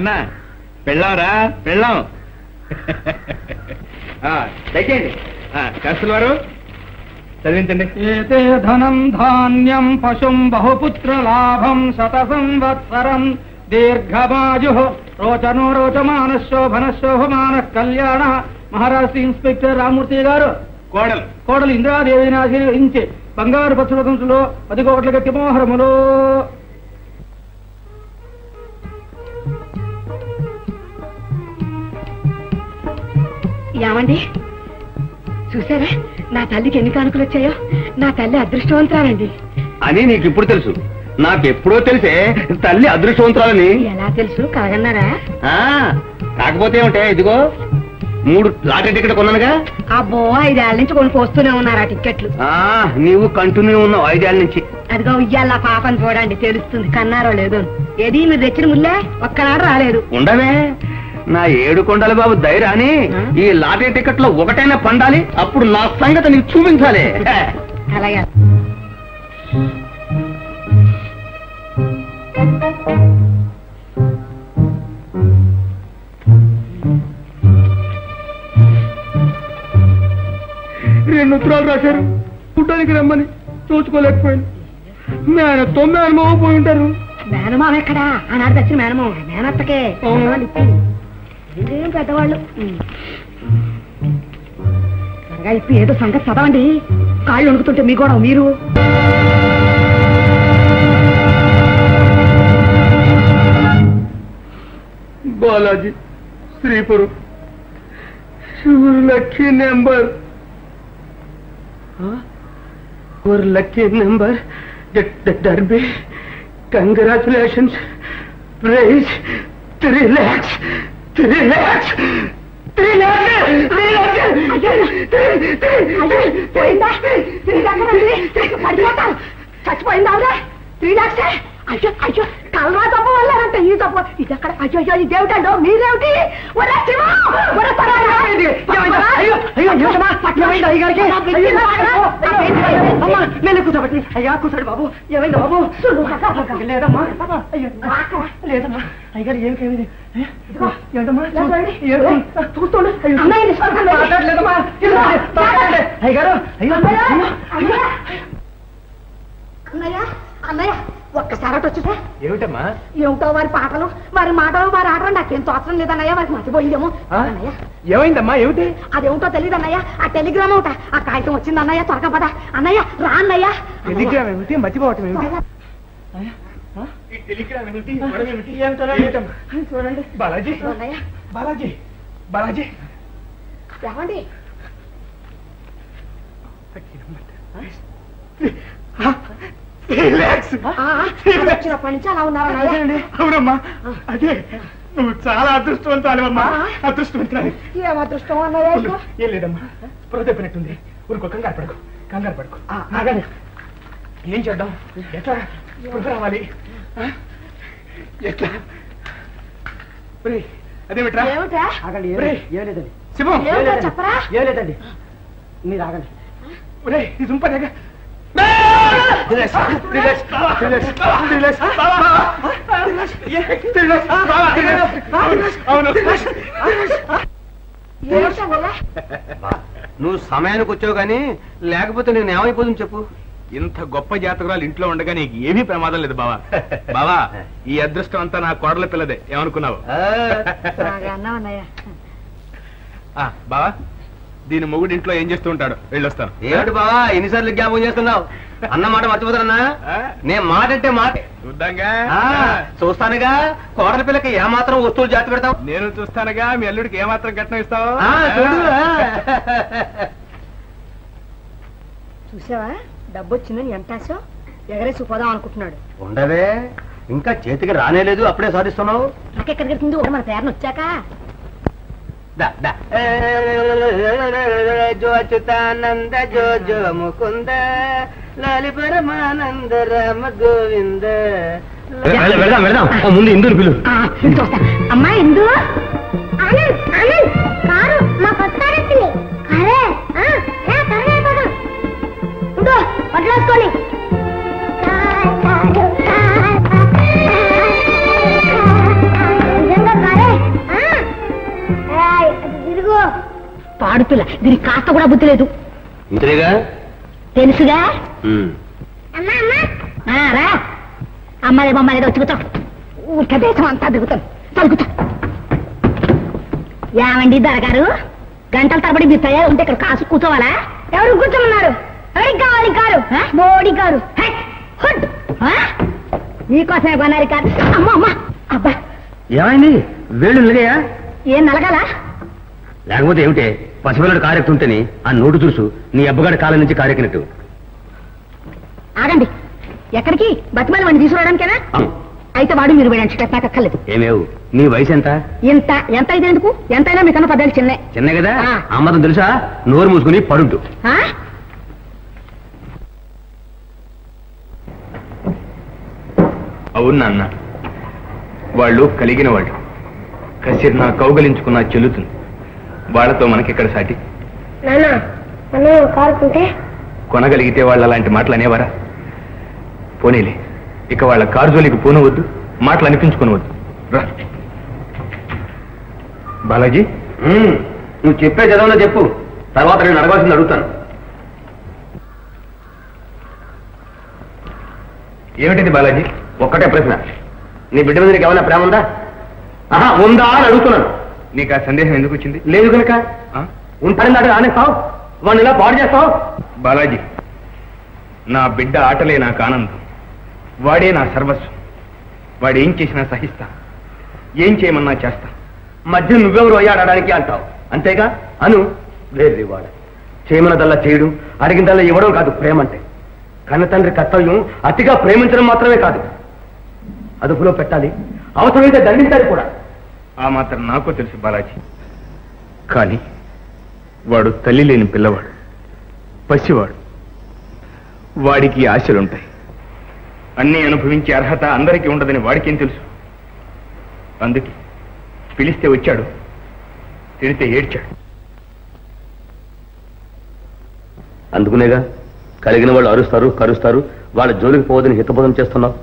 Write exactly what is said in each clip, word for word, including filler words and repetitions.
ఏమన్నా పెళ్ళాంరా పెళ్ళాం దయచేయండి శాస్త్రుల వారు చదివించండి. ఏతే ధనం ధాన్యం పశుం బహుపుత్ర లాభం శత సంవత్సరం దీర్ఘమాయు రోచనో రోచమాన శోభన శోభమాన కళ్యాణ. మహారాష్ట్ర ఇన్స్పెక్టర్ రామూర్తి గారు కోడలు కోడలు ఇంద్రాదేవిని ఆశీర్వదించి బంగారు పశుపతంలో పది కోట్ల గట్టి మోహరములో. ఏమండి చూసారా నా తల్లికి ఎన్ని కానుకలు వచ్చాయో? నా తల్లి అదృష్టవంతురాలండి అని నీకు ఇప్పుడు తెలుసు. నాకెప్పుడో తెలిసే తల్లి అదృష్టవంతురాలని. ఎలా తెలుసు? కాగన్నారా? కాకపోతే ఏమిటే, ఇదిగో మూడు లాటరీ టికెట్ కొన్నానుగా. అబ్బో ఐదేళ్ల నుంచి కొని పోస్తూనే ఉన్నారా టికెట్లు? నీవు కంటిన్యూ ఉన్నావు ఐదేళ్ల నుంచి. అదిగో ఇయ్యాల పాపని చూడండి తెలుస్తుంది కన్నారో లేదో. ఏది మీరు తెచ్చిన ముల్లే ఒక్కనాడు రాలేదు. ఉండవే నా ఏడు కొండల బాబు ధైర్యాన్ని ఈ లాటరీ టికెట్ లో ఒకటైనా పండాలి. అప్పుడు నా సంగతి నీకు చూపించాలి. అలాగే రెండు ఉత్తరాలు రాశారు చూడడానికి రమ్మని. చూసుకోలేకపోయాను. మేనత్తో మేనమావ పోయి ఉంటారు. మేనమావ ఎక్కడా? ఆనాడు తెచ్చిన మేనమావ మేనత్తకే ఏం పెద్దవాళ్ళు. త్వరగా ఇప్పుడు ఏదో సంగతి చదవండి. కాళ్ళు వణుకుతుంటే మీ కూడా మీరు. బాలాజీ శ్రీపురం లక్కీ నెంబర్ और लकी नंबर डरबी congratulations prize three lakhs three lakhs three చచ్చిపోయిందా? త్రీ లాక్స్ అయ్యో అయ్యో కలరా తప్ప వల్లంటే ఈ తప్ప ఇది అక్కడ. అయ్యో అయ్యో ఇదేమిటండో మీరేమిటి? కూర్చోబట్టి అయ్యా కూర్చోండి బాబు. ఏమైంది బాబు? లేదమ్మా లేదమ్మా అయ్యారు ఏమికేమిది ఏంటమ్మా చూస్తుండే అయ్యారు. అన్నయ్య అన్నయ్య ఒక్కసారి అటు వచ్చితే. ఏమిటమ్మా? ఏమిటో వారి పాటలు వారి మాటలు వారి ఆటలు నాకేం తోచడం లేదన్నయ్య. వారికి మర్చిపోయిందేమో. ఏమైందమ్మా? ఏమిటి? అదేమిటో తెలియదు అన్నయ్య. ఆ టెలిగ్రామ్ ఒకట ఆ కాగితం వచ్చింది అన్నయ్య. త్వరగా పద అన్నయ్య. రా అన్నయ్య. టెలిగ్రామ్ ఏమిటి? మర్చిపోవటం ఏమిటి? చూడండి బాలాజీ బాలాజీ బాలాజీ ఏమండి? వచ్చినప్పటి నుంచి అలా ఉన్నారన్నయ్య. అవునమ్మా అదే నువ్వు చాలా అదృష్టవంతాలేవమ్మా. అదృష్టవంతురాలి. ఏం అదృష్టం అన్నయ్య? ఏం లేదమ్మా పొర తెప్పినట్టుంది. ఊరుకో కంగారు పడుకో కంగారు పడుకో. ఆగండి ఏం చేద్దాం? ఎట్లా ఇప్పుడు రావాలి? ఎట్లా? అదేమిట్రా? ఆగండి ఏం లేదండి. శివం చెప్పరా? ఏం లేదండి మీరు ఆగండి. ఇది దుంపదేగా. నువ్వు సమయానికి వచ్చావు కానీ లేకపోతే నేను ఏమైపోతుంది చెప్పు. ఇంత గొప్ప జాతకురాలు ఇంట్లో ఉండగా నీకు ఏమీ ప్రమాదం లేదు బావా. బావా ఈ అదృష్టం అంతా నా కోడల పిల్లదే. ఏమనుకున్నావు బావా? దీని మొగుడు ఇంట్లో ఏం చేస్తూ ఉంటాడు? వెళ్ళొస్తాను. ఏమిటి బావా ఎన్నిసార్లు జ్ఞాపకం చేస్తున్నావు? అన్న మాట మర్చిపోతానన్నా. నేను మాట అంటే మాట చూద్దాంగా. చూస్తానుగా కోడల పిల్లకి ఏమాత్రం వస్తువులు జాతి పెడతావు? నేను చూస్తానుగా మీ అల్లుడికి ఏమాత్రం కట్నం ఇస్తావు? చూసావా డబ్బు వచ్చిందని ఎంత ఆశ ఎగరేసి పోదాం అనుకుంటున్నాడు. ఉండవే ఇంకా చేతికి రానేలేదు అప్పుడే సాధిస్తున్నావు. నాకెక్కడికి వెళ్తుంది ఒక మన తయారుని వచ్చాక. జో అచ్యుతానంద జో జో ముకుంద లాలి పరమానంద రామ గోవింద. వెళ్దాం వెళ్దాం. ముందు ఇందుని పిలు. అమ్మా ఇందు కారు మా పక్కన వడ్లేసుకొని నిజంగా ఆడపిల్ల, దీనికి కాస్త కూడా బుద్ధి లేదు. ఇంతేగా తెలుసుగా. రా అమ్మలే బొమ్మలేదో వచ్చుకుతాం, ఊరికే దేశం అంతా దిగుతాం. చదువుతా ఏమండి దొరగారు, గంటల తరబడి మీరు తయారు ఉంటే ఇక్కడ కాసు కూర్చోవాలా? ఎవరు కూర్చోమన్నారు? ఎవరికి కావాలి కారు? మోడీ కారు. నీకోసమే కొనాలి కారు. అమ్మ అమ్మ అబ్బా ఏమైంది? వేళ్ళు నిలగాయా? ఏం నలగాల? లేకపోతే ఏమిటే పసిపిల్లడు కారెక్తుంటేని ఆ నోటు చూసు నీ అబ్బగాడి కాలం నుంచి కారెక్కినట్టు. ఆగండి, ఎక్కడికి? బతిమాలి వాడిని తీసుకురావడానికేనా? అయితే వాడు మీరు వేయడానికి నాకు అక్కర్లేదు. ఏమేవు నీ వయసు ఎంత? ఎంత ఎంత అయితే ఎందుకు? ఎంతైనా మీకన్నా పదేళ్ళు చిన్నే. చిన్నే కదా, అమ్మతం తెలుసా? నోరు మూసుకుని పడుంటు. అవును నాన్న, వాళ్ళు కలిగిన వాళ్ళు. కసిర్ నా కౌగలించుకున్నా చెల్లుతుంది. వాళ్ళతో మనకిక్కడ సాటి. కొనగలిగితే వాళ్ళు అలాంటి మాటలు అనేవారా? పోనీలే, ఇక వాళ్ళ కారు జోలికి పోనవద్దు, మాటలు అనిపించుకోనవద్దు. రా బాలాజీ, నువ్వు చెప్పే చదవలో చెప్పు, తర్వాత నేను అడగాల్సింది అడుగుతాను. ఏమిటిది బాలాజీ? ఒక్కటే ప్రశ్న, నీ బిడ్డ మీద నీకు ఏమైనా ప్రేమ ఉందా? ఆహా ఉందా అని అడుగుతున్నాను. నీకు ఆ సందేహం ఎందుకు వచ్చింది? లేదు కనుక ఉంటానని దాకా ఆనేస్తావు, వాడిని ఇలా పాడు చేస్తావు. బాలాజీ, నా బిడ్డ ఆటలే నాకు ఆనందం, వాడే నా సర్వస్వం. వాడు ఏం చేసినా సహిస్తా, ఏం చేయమన్నా చేస్తా. మధ్య నువ్వెవరు అయ్యాడడానికి అంటావు, అంతేగా? అను వేరే వాడు చేయమన్నదల్లా చేయడం, అడిగిందల్లా ఇవ్వడం కాదు ప్రేమ అంటే. కన్న తండ్రి కర్తవ్యం అతిగా ప్రేమించడం మాత్రమే కాదు, అదుపులో పెట్టాలి, అవసరమైతే దండించాలి కూడా. ఆ మాత్రం నాకు తెలుసు బాలాజీ. కానీ వాడు తల్లి లేని పిల్లవాడు, పసివాడు. వాడికి ఆశలుంటాయి. అన్నీ అనుభవించే అర్హత అందరికీ ఉండదని వాడికేం తెలుసు? అందుకే పిలిస్తే వచ్చాడు, తిడితే ఏడ్చాడు. అందుకునేగా కలిగిన వాళ్ళు అరుస్తారు, కరుస్తారు, వాళ్ళ జోలికి పోవద్దని హితబోధం చేస్తున్నావు.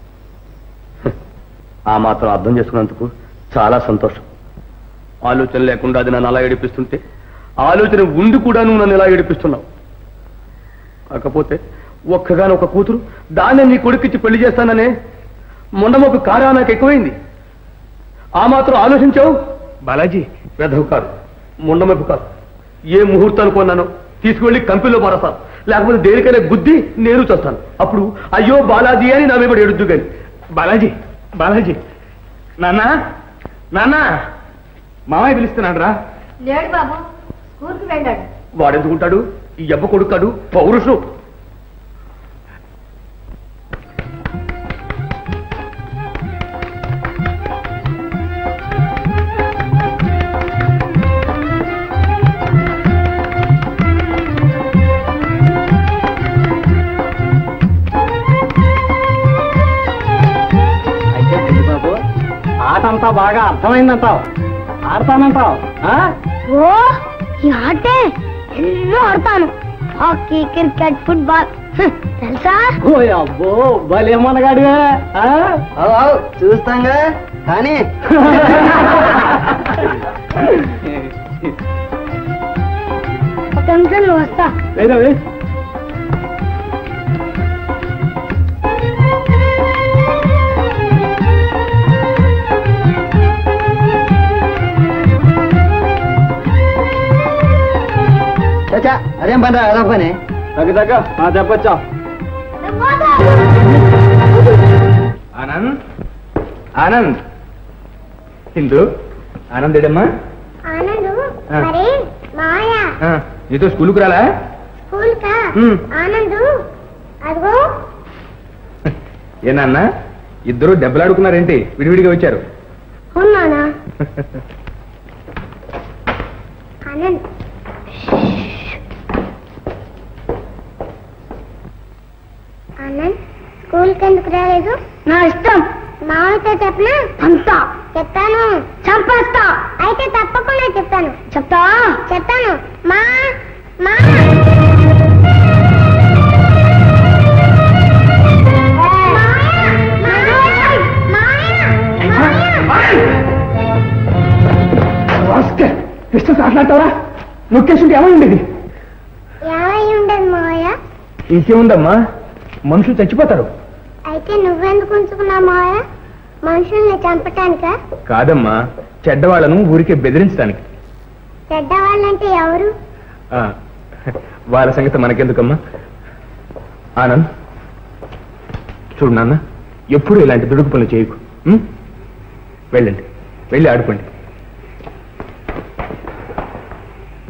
ఆ మాత్రం అర్థం చేసుకున్నందుకు చాలా సంతోషం. ఆలోచన లేకుండా అది నన్ను అలా ఏడిపిస్తుంటే, ఆలోచన ఉండి కూడా నువ్వు నన్ను ఇలా ఏడిపిస్తున్నావు. కాకపోతే ఒక్కగాని ఒక కూతురు, దాన్ని నీ కొడుకిచ్చి పెళ్లి చేస్తాననే మొండమొక్క కారా నాకు ఎక్కువైంది. ఆ మాత్రం ఆలోచించావు బాలాజీ? వెధవు కాదు, మొండమొక్క కాదు. ఏ ముహూర్తాన్ని కొన్నానో తీసుకువెళ్ళి కంపెనీలో మారస్తాను, లేకపోతే దేనికైనా గుద్ది నేను చేస్తాను. అప్పుడు అయ్యో బాలాజీ అని నా మీద ఎడుద్దు. కానీ బాలాజీ, బాలాజీ, నాన్న నాన్న, మామయ్య పిలుస్తున్నాడు రా. లేడు బాబు, స్కూల్కి వెళ్ళాడు. వాడెందుకుంటాడు? ఈ అబ్బ కొడుకాడు, పౌరుషం. ఆటంతా బాగా అర్థమైందంటావు, ఆడతానంటావు? ఓ ఈ ఆటే ఎన్నో ఆడతాను. హాకీ, క్రికెట్, ఫుట్బాల్ తెలుసా? ఓ అబ్బో భలేమనగాడివే. చూస్తాంగా కానీ ఒక నిమిషం వస్తా. వేరే అదేం పని రా పని దగ్గర దగ్గర చెప్పొచ్చా? ఆనంద్, ఆనంద్, హిందూ ఆనందేడమ్మా. ఆనందు మరి మాయా నీతో స్కూల్కి రాలా? స్కూల్ కా? ఆనందు అదిగో. ఏనాన్న ఇద్దరు దెబ్బలాడుకున్నారేంటి? విడివిడిగా వచ్చారు. ఉన్నానా? ఆనంద్ ఆనంద్ స్కూల్కి ఎందుకు రాలేదు? నా ఇష్టం. మామయ్యతో చెప్పనా? అంతా చెప్తాను. చంపేస్తా. అయితే తప్పకుండా చెప్తాను. చెప్తా? చెప్తాను. మా మా మాట్లాడతావరా? నొక్కేస్తుంటే ఏమై ఉండేది? ఏమై ఉండదు మావయ్య. ఇంకేముందమ్మా, మనుషులు చచ్చిపోతారు. అయితే నువ్వెందుకు ఉంచుకున్నావు మావయ్య? మనుషుల్ని చంపటానికా? కాదమ్మా, చెడ్డవాళ్ళను ఊరికే బెదిరించడానికి. చెడ్డవాళ్ళంటే ఎవరు? వాళ్ళ సంగతి మనకెందుకమ్మా. ఆనంద్, చూడు నాన్న, ఎప్పుడు ఇలాంటి దుడుకు పనులు చేయకు. వెళ్ళండి, వెళ్ళి ఆడుకోండి.